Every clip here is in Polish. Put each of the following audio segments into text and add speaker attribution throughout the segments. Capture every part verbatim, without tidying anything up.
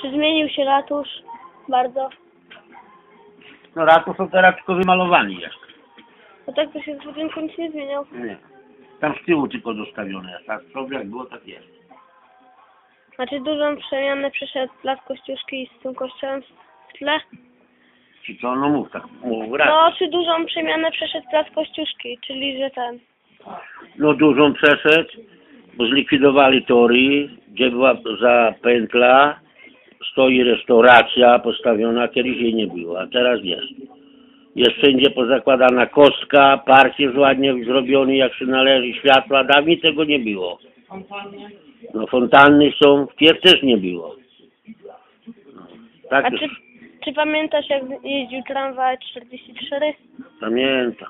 Speaker 1: Czy zmienił się ratusz bardzo?
Speaker 2: No ratusz to teraz tylko wymalowany jest.
Speaker 1: No tak to się w budynku nic nie zmieniał.
Speaker 2: Nie. Tam z tyłu tylko zostawione jest. A z przodu jak było, tak jest.
Speaker 1: Znaczy dużą przemianę przeszedł Plac Kościuszki z tym kościołem w tle?
Speaker 2: Ci co? No mów tak. Mów raz.
Speaker 1: No, czy dużą przemianę przeszedł Plac Kościuszki, czyli że ten...
Speaker 2: No dużą przeszedł, bo zlikwidowali tory, gdzie była za pętla, stoi restauracja postawiona, kiedyś jej nie było, a teraz jest. Jest wszędzie pozakładana kostka, park jest ładnie zrobiony, jak się należy, światła, dawniej tego nie było. No fontanny są, wpierw też nie było. No, tak
Speaker 1: A
Speaker 2: już
Speaker 1: czy, czy pamiętasz, jak jeździł tramwaj czterdzieści cztery?
Speaker 2: pamiętam.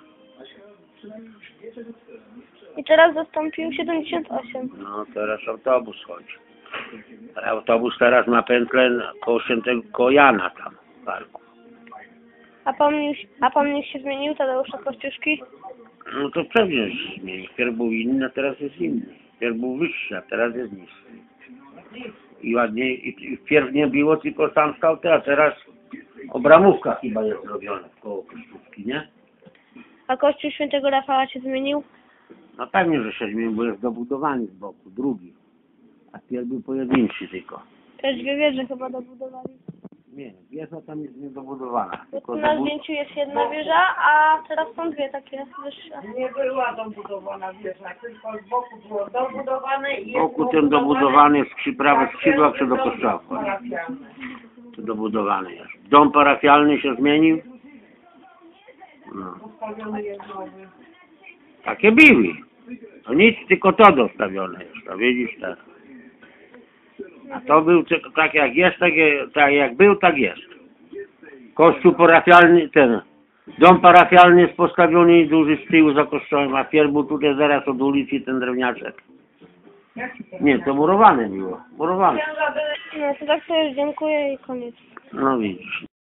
Speaker 1: I teraz zastąpił siedemdziesiąt osiem.
Speaker 2: No teraz autobus chodzi. Autobus teraz ma pętlę koło Świętego koło Jana tam w parku.
Speaker 1: A pomnik, a pomnik się zmienił, Tadeusza Kościuszki?
Speaker 2: No to pewnie się zmieni. Wpierw był inny, a teraz jest inny. Wpierw był wyższy, a teraz jest niższy. I ładnie, i, i wpierw nie było, tylko sam stał te, a teraz obramówka chyba jest zrobiona koło Kościuszki, nie?
Speaker 1: A kościół Świętego Rafała się zmienił?
Speaker 2: No pewnie, że się zmienił, bo jest dobudowany z boku, drugi. A wpierw był pojedynczy tylko.
Speaker 1: Też dwie wieże chyba dobudowali.
Speaker 2: Nie, wieża tam jest niedobudowana. Tylko
Speaker 1: Na
Speaker 2: dobud...
Speaker 1: zdjęciu jest jedna wieża, a teraz są dwie takie wyższe.
Speaker 3: Nie była dobudowana wieża, tylko z boku było dobudowane i
Speaker 2: Z boku ten dobudowany jest przy prawych skrzydłach czy do kościoła.
Speaker 3: parafialne.
Speaker 2: To dobudowany jest. Dom parafialny się zmienił. No.
Speaker 3: Postawiony jest nowy.
Speaker 2: Takie były. To nic, tylko to dostawione jest. To widzisz tak. A to był tylko tak jak jest, tak, tak jak był, tak jest. Kościół parafialny, ten dom parafialny jest postawiony duży z tyłu za kościołem, a wpierw był tutaj zaraz od ulicy ten drewniaczek. Nie, to murowane było. Murowane.
Speaker 1: No to tak to już dziękuję i koniec.
Speaker 2: No widzisz.